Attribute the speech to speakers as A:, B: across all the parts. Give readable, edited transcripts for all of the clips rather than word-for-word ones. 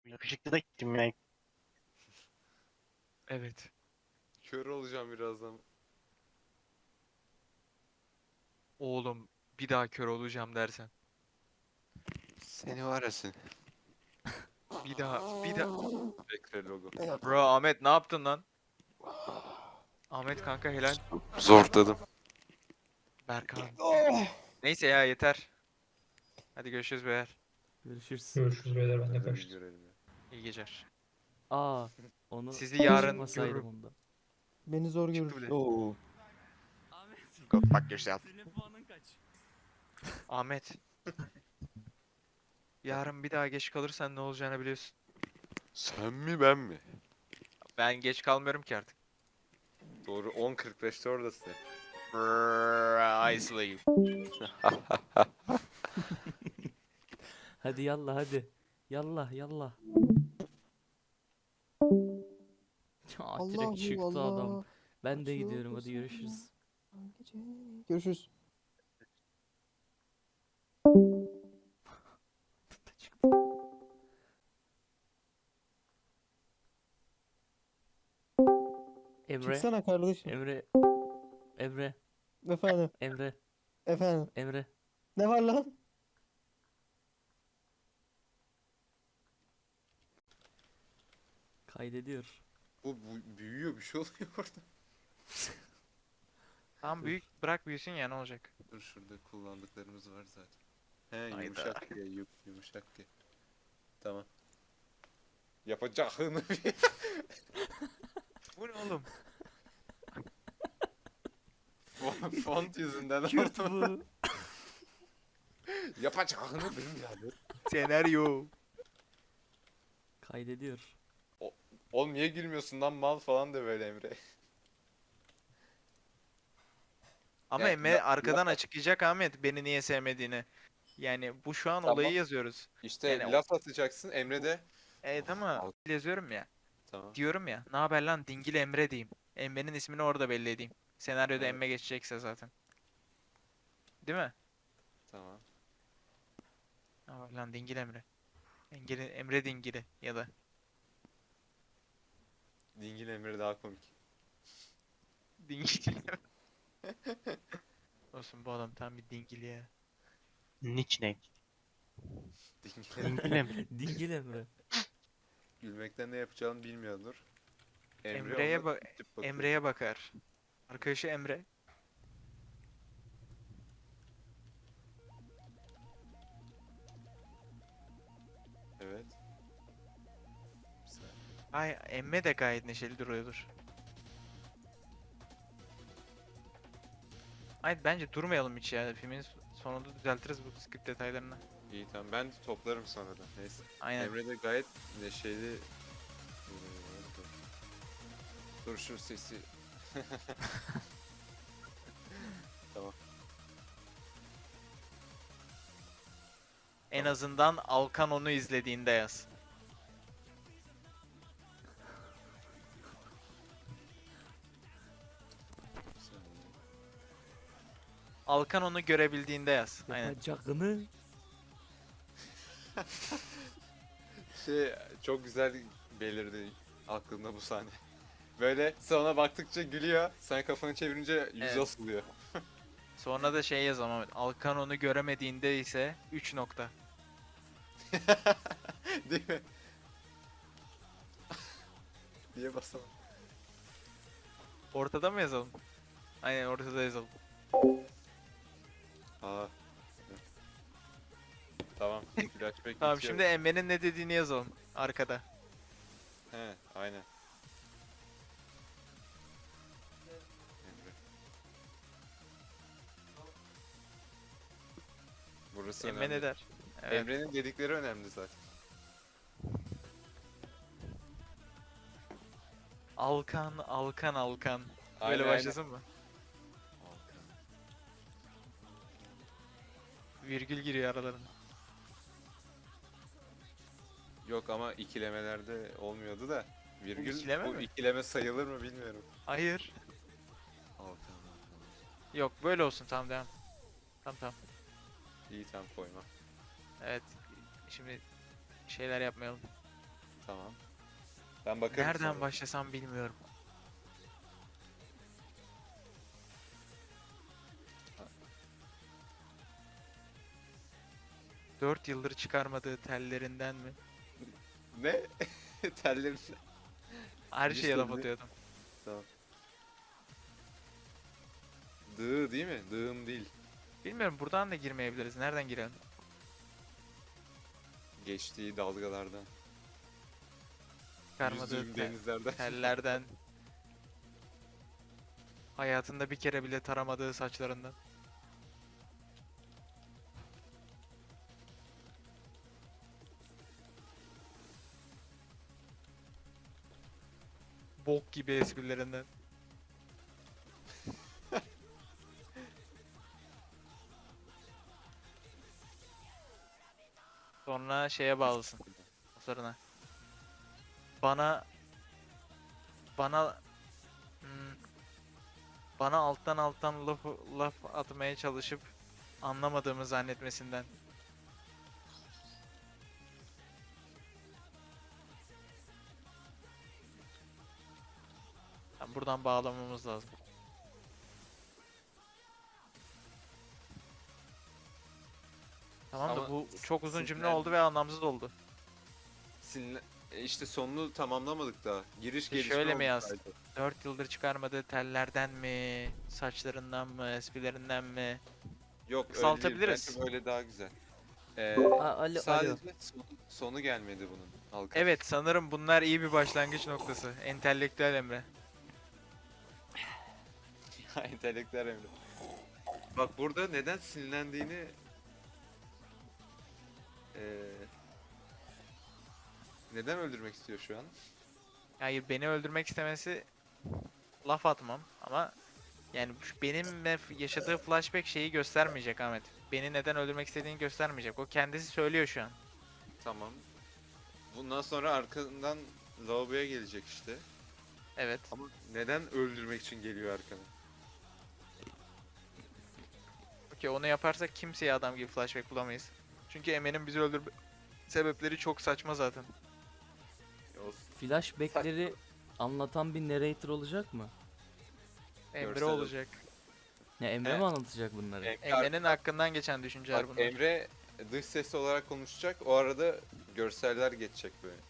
A: Yakışıklı da gittim ya.
B: Evet.
C: Kör olacağım birazdan.
B: Oğlum bir daha kör olacağım dersen.
C: Seni var ya seni.
B: Bir daha.
C: Bekle logo.
B: Bro Ahmet ne yaptın lan? Ahmet kanka helal.
C: Zorladım.
B: Berkan. Neyse ya yeter. Hadi görüşürüz beyler.
D: Görüşürüz.
E: Görüşürüz beyler, ben de
C: Hadi bir
E: kaçtım.
C: görelim ya.
B: İyi geceler.
D: Aa, onu
B: Sizi yarın
D: çıkmasaydım
B: görürüm.
D: onda.
F: Beni zor
B: Çıktı
F: görür.
B: bile.
F: Oo.
B: Go fuck yourself.
D: Senin puanın kaç?
B: Ahmet. Yarın bir daha geç kalırsan ne olacağını biliyorsun.
C: Sen mi ben mi?
B: Ben geç kalmıyorum ki artık.
C: Doğru 10.45'te oradasın.
B: Brrr, I sleep.
D: Hadi yallah hadi. Yallah yallah. Direkt çıktı adam. Ben de gidiyorum, hadi görüşürüz.
F: Görüşürüz.
D: Emre,
F: Çıksana kardeşim.
D: Emre, Emre,
F: Efendim.
D: Emre,
F: Efendim.
D: Emre.
F: Ne var lan?
D: Kaydediyor.
C: Bu büyüyor, bir şey oluyor orada.
B: Tamam büyük bırak büyüsün ya ne olacak?
C: Dur, şurada kullandıklarımız var zaten. He,
B: Hayda.
C: yumuşak diye yumuşak diye. Tamam. Yapacağını bir.
B: Bu ne oğlum?
C: Font yüzünden
D: Kürt
C: oldu.
D: bu.
C: Yapacağını bilmiyorum.
B: Senaryo.
D: Kaydediyor.
C: Oğlum niye gülmüyorsun lan mal falan de böyle Emre.
B: Ama
C: Yani
B: Emre arkadan açıklayacak Ahmet beni niye sevmediğini. Yani bu şu an
C: Tamam.
B: olayı yazıyoruz.
C: İşte
B: Yani
C: laf atacaksın Emre de.
B: Evet ama yazıyorum ya.
C: Tamam.
B: Diyorum ya. Ne haber lan Dingil Emre diyeyim. Emre'nin ismini orada belli edeyim. Senaryoda
C: Evet.
B: Emre geçecekse zaten. Değil mi?
C: Tamam.
B: Ne haber lan Dingil Emre. Emre Dingili ya da.
C: Dingil Emre daha komik.
B: Dingil Emre. Olsun bu adam tam bir dingil ya.
A: Nickname.
C: Dingil
A: Dingile mi?
D: Dingil Emre.
C: Gülmekten ne yapacağını bilmiyordur.
B: Emre'ye
C: ona
B: bak.
C: tip bakıyor.
B: Emre'ye bakar. Arkadaşı Emre.
C: Evet. Güzel.
B: Ay Emre de gayet neşeli duruyordur. Ay bence durmayalım hiç ya. Filmin sonunda düzeltiriz bu script detaylarını.
C: İyi tamam, ben toplarım sonradan. Neyse.
B: Aynen.
C: Emre de gayet neşeli. Dur şu sesi. Tamam.
B: En
C: Tamam.
B: azından Alkan onu izlediğinde yaz. Alkan onu görebildiğinde yaz. Aynen.
D: Yapacağını.
C: Çok güzel belirdi aklımda bu sahne. Böyle sana baktıkça gülüyor. Sen kafanı çevirince yüz
B: Evet.
C: asılıyor.
B: Sonra da şey yaz ama Alkan onu göremediğinde ise 3 nokta.
C: Değil mi? Niye basamadım?
B: Ortada mı yazalım? Aynen ortada yazalım.
C: Aa. Tamam. Flashback
B: Tamam
C: bitiyor.
B: şimdi Emre'nin ne dediğini yazalım arkada.
C: He, aynen. Emre. Burası
B: Emre
C: önemli.
B: ne der? Evet.
C: Emre'nin dedikleri önemli zaten.
B: Alkan, Alkan, Alkan. Böyle
C: Aynen,
B: başlasın mı?
C: aynen.
B: Virgül giriyor aralarına.
C: Yok ama ikilemelerde olmuyordu da. Virgül
B: ikileme
C: bu
B: mi?
C: ikileme sayılır mı bilmiyorum.
B: Hayır.
C: Alkan.
B: Yok böyle olsun tamam devam. Tamam.
C: İyi tam koyma.
B: Evet. Şimdi şeyler yapmayalım.
C: Tamam. Ben bakarım
B: Nereden
C: sonra.
B: başlasam bilmiyorum. Dört yıldır çıkarmadığı tellerinden mi?
C: Ne? Tellerin.
B: Her şeye laf
C: Listeli.
B: atıyordum.
C: Tamam. Dığı değil mi? Dığım değil.
B: Bilmiyorum, buradan da girmeyebiliriz. Nereden girelim?
C: Geçtiği dalgalardan.
B: Çıkarmadığı
C: Yüzdüğüm denizlerden.
B: tellerden. Hayatında bir kere bile taramadığı saçlarından. Bok gibi esprilerinden. Sonra şeye bağlısın. Sonra bana bana hmm, bana alttan laf atmaya çalışıp anlamadığımı zannetmesinden. Buradan bağlamamız lazım. Tamam da
C: Ama
B: bu çok uzun cümle
C: sinirlen-
B: oldu ve anlamsız oldu.
C: İşte sonunu tamamlamadık daha. Giriş
B: İşte
C: gelişme
B: şöyle mi
C: oldu
B: yaz?
C: sadece.
B: 4 yıldır çıkarmadığı tellerden mi, saçlarından mı, esprilerinden mi?
C: Yok öyle değil.
B: Kısaltabiliriz.
C: Bence böyle daha güzel.
D: Alo.
C: Sadece sonu gelmedi bunun. Halka.
B: Evet, sanırım bunlar iyi bir başlangıç noktası. Entelektüel Emre.
C: Entelektüel Emre. Bak burada neden sinirlendiğini neden öldürmek istiyor şu an?
B: Hayır, beni öldürmek istemesi laf atmam ama yani benimle yaşadığı flashback şeyi göstermeyecek Ahmet. Beni neden öldürmek istediğini göstermeyecek. O kendisi söylüyor şu an.
C: Tamam. Bundan sonra arkandan lavaboya gelecek işte.
B: Evet.
C: Ama neden öldürmek için geliyor arkana?
B: Okey, onu yaparsak kimseye adam gibi flashback bulamayız. Çünkü Emre'nin bizi öldürme sebepleri çok saçma zaten.
C: Olsun.
D: Flashback'leri anlatan bir narrator olacak mı?
B: Emre
C: Görsel
B: olacak.
D: Ne Emre
C: Evet.
D: mi anlatacak bunları?
B: Emre'nin hakkından geçen düşünceler
C: Bak
B: bunlar.
C: Emre dış ses olarak konuşacak. O arada görseller geçecek böyle.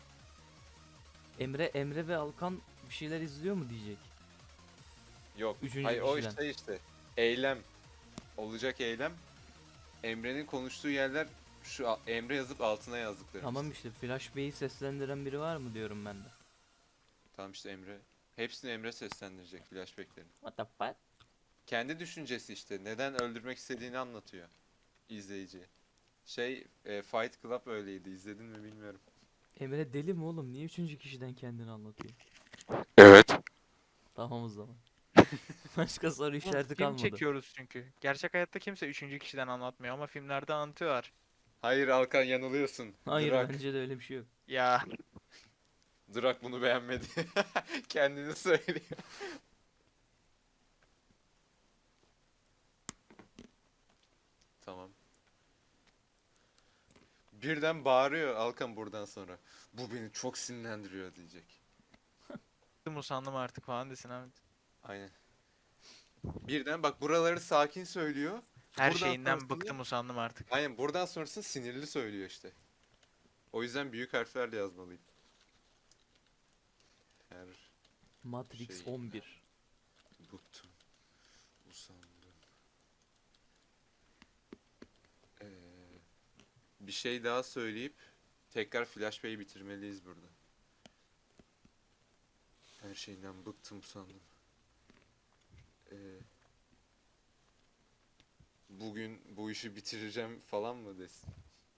D: Emre ve Alkan bir şeyler izliyor mu diyecek.
C: Yok.
D: Üçüncü
C: Hayır o
D: kişiden.
C: işte. Eylem. Olacak eylem. Emre'nin konuştuğu yerler Emre yazıp altına yazdıkları.
D: Tamam işte flashback'i seslendiren biri var mı diyorum ben de.
C: Tamam işte Emre. Hepsini Emre seslendirecek flashback'lerin.
D: What the fuck?
C: Kendi düşüncesi işte. Neden öldürmek istediğini anlatıyor izleyiciye. Fight Club öyleydi. İzledin mi bilmiyorum.
D: Emre deli mi oğlum? Niye üçüncü kişiden kendini anlatıyor?
C: Evet.
D: Tamam o zaman. Başka soru
B: Oğlum,
D: işareti
B: film
D: kalmadı.
B: çekiyoruz çünkü. Gerçek hayatta kimse üçüncü kişiden anlatmıyor ama filmlerde anlatıyorlar.
C: Hayır Alkan yanılıyorsun.
D: Hayır
C: Drak.
D: bence de öyle bir şey yok.
B: Ya
C: Drak bunu beğenmedi. Kendini söylüyor. Tamam. Birden bağırıyor Alkan buradan sonra. Bu beni çok sinirlendiriyor diyecek.
B: bıktım usandım artık falan desin Ahmet.
C: Aynen. Birden bak buraları sakin söylüyor.
B: Her
C: Buradan
B: şeyinden
C: sonrasını-
B: bıktım usandım artık.
C: Aynen buradan sonrasını sinirli söylüyor işte. O yüzden büyük harflerle yazmalıyım. Her
D: Matrix
C: Şey-
D: 11.
C: bıktım. Usandım. Ee, bir şey daha söyleyip tekrar flashback'i bitirmeliyiz burada. Her şeyden bıktım usandım. Bugün bu işi bitireceğim falan mı desin?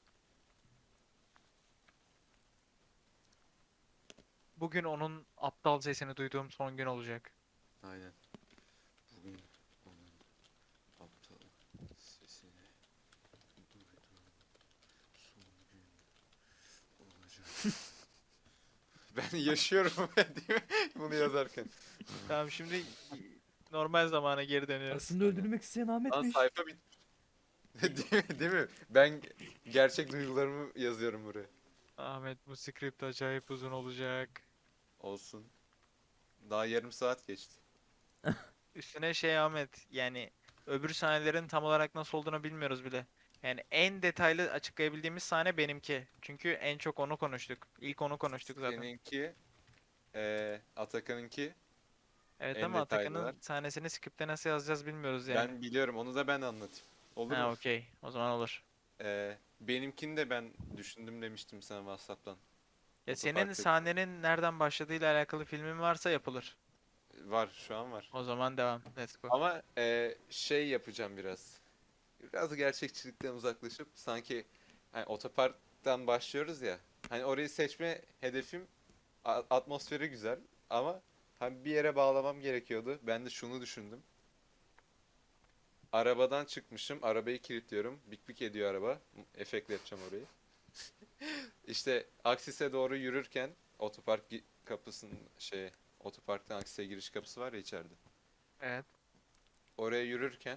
B: Bugün onun aptal sesini duyduğum son gün olacak.
C: Aynen. Bugün onun aptal sesini duydum. Son gün olacak. Ben yaşıyorum değil mi? Bunu yazarken.
B: Tamam, şimdi normal zamana geri dönüyoruz.
D: Aslında öldürmek isteyen
C: Lan
D: Ahmet'miş.
C: sayfa değil mi? Değil mi? Ben gerçek duygularımı yazıyorum buraya.
B: Ahmet bu script acayip uzun olacak.
C: Olsun. Daha yarım saat geçti.
B: Üstüne şey Ahmet yani öbür sahnelerin tam olarak nasıl olduğunu bilmiyoruz bile. Yani en detaylı açıklayabildiğimiz sahne benimki. Çünkü en çok onu konuştuk. İlk onu konuştuk zaten.
C: Seninki, Atakan'ınki
B: Evet
C: en
B: ama
C: detaylılar.
B: Atakan'ın sahnesini script'te nasıl yazacağız bilmiyoruz yani.
C: Ben biliyorum, onu da ben anlatayım. Olur
B: Ha
C: mu?
B: okey. O zaman olur.
C: Benimkini de ben düşündüm demiştim sana WhatsApp'tan.
B: Ya senin
C: Otoparktaki.
B: sahnenin nereden başladığıyla alakalı filmin varsa yapılır.
C: Var, şu an var.
B: O zaman devam. Let's go.
C: Ama şey yapacağım biraz. Biraz gerçekçilikten uzaklaşıp sanki hani otoparktan başlıyoruz ya. Hani orayı seçme hedefim atmosferi güzel ama hani bir yere bağlamam gerekiyordu. Ben de şunu düşündüm. Arabadan çıkmışım, arabayı kilitliyorum. Bik bik ediyor araba. Efektle yapacağım orayı. İşte Aksis'e doğru yürürken kapısının otoparktan Aksis'e giriş kapısı var ya içeride.
B: Evet.
C: Oraya yürürken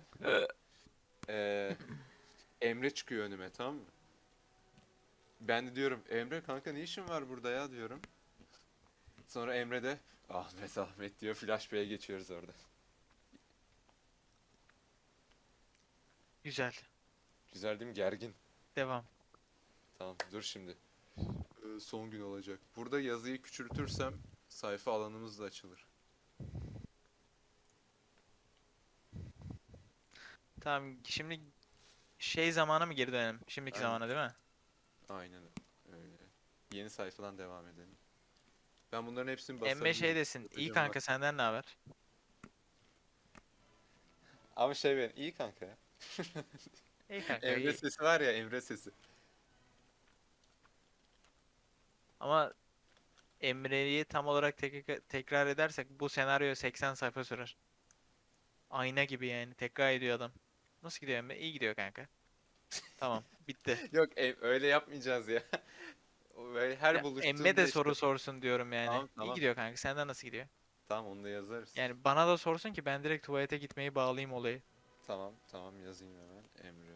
C: Emre çıkıyor önüme, tamam mı? Ben de diyorum Emre kanka ne işin var burada ya diyorum. Sonra Emre de Ahmet Ahmet diyor, Flash Bey'e geçiyoruz orada.
B: Güzel.
C: Güzel değil mi? Gergin.
B: Devam.
C: Tamam dur şimdi. Son gün olacak. Burada yazıyı küçültürsem sayfa alanımız da açılır.
B: Tamam şimdi şey zamana mı geri dönelim? Şimdiki
C: Aynen.
B: zamana değil mi?
C: Aynen öyle. Yeni sayfadan devam edelim. Ben bunların hepsini
B: Emme
C: basabilirim.
B: şey desin. İyi
C: Yapacağım
B: kanka
C: bak.
B: senden ne haber?
C: Ama şey ben iyi kanka ya.
B: İyi kanka
C: Emre
B: iyi.
C: sesi var ya, Emre sesi.
B: Ama Emre'yi tam olarak tekrar edersek bu senaryo 80 sayfa sürer. Ayna gibi yani. Tekrar ediyor adam. Nasıl gidiyor Emre? İyi gidiyor kanka. Tamam. Bitti.
C: Yok öyle yapmayacağız ya. Böyle her
B: Ya, Emme
C: buluştuğunda
B: de
C: işte.
B: soru sorsun diyorum yani.
C: Tamam
B: İyi
C: tamam.
B: gidiyor kanka. Senden nasıl gidiyor?
C: Tamam onu da yazarız.
B: Yani bana da sorsun ki ben direkt tuvalete gitmeyi bağlayayım olayı.
C: Tamam tamam yazayım hemen. Emre.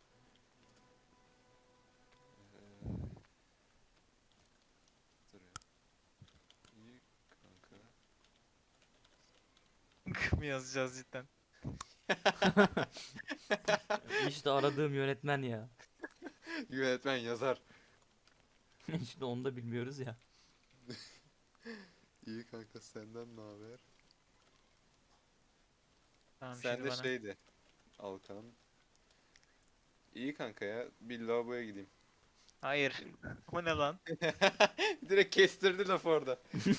C: Dur ya. İyi kanka.
B: mı yazacağız cidden?
D: İşte aradığım yönetmen ya.
C: Yönetmen yazar.
D: İşte onu da bilmiyoruz ya.
C: İyi kanka senden ne haber?
B: Tamam
C: Sen
B: şimdi
C: de
B: bana.
C: şeydi. Alkan. İyi kanka ya. Bir lavaboya gideyim.
B: Hayır. O ne lan?
C: Direkt kestirdi laf orada.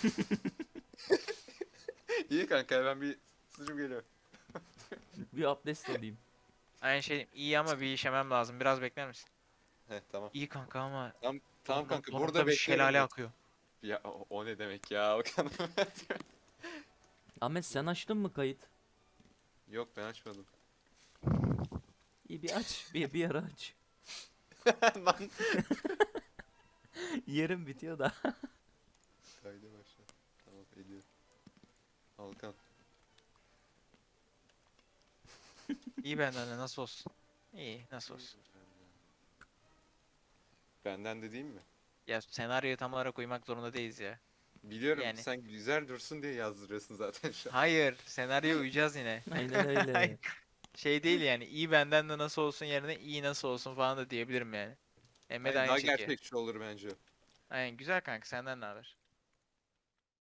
C: İyi kanka ben bir sucum geliyor.
D: Bir abdest alayım.
B: Aynı şey iyi ama bir işemem lazım. Biraz bekler misin?
C: Heh tamam.
B: İyi kanka ama
C: Tamam kanka
B: burnumda
C: burada
B: bir
C: beklerim.
B: şelale
C: ben.
B: akıyor.
C: Ya o ne demek ya Alkan?
D: Ahmet sen açtın mı kayıt?
C: Yok ben açmadım.
D: İyi bir aç. Bir ara aç.
C: Lan.
D: Yerim bitiyor da.
C: Kayda başla. Tamam ediyorum. Alkan.
B: İyi benden de nasıl olsun? İyi nasıl olsun?
C: Benden de değil mi?
B: Ya senaryoya tam olarak uymak zorunda değiliz ya.
C: Biliyorum
B: Yani.
C: sen güzel dursun diye yazdırıyorsun zaten şu an.
B: Hayır, senaryoya uyacağız yine.
D: Aynen öyle.
B: Şey değil yani iyi benden de nasıl olsun yerine iyi nasıl olsun falan da diyebilirim yani. Emme de
C: Hayır, daha
B: aynı şekilde.
C: gerçekçi olur bence.
B: Aynen güzel kanka senden ne haber?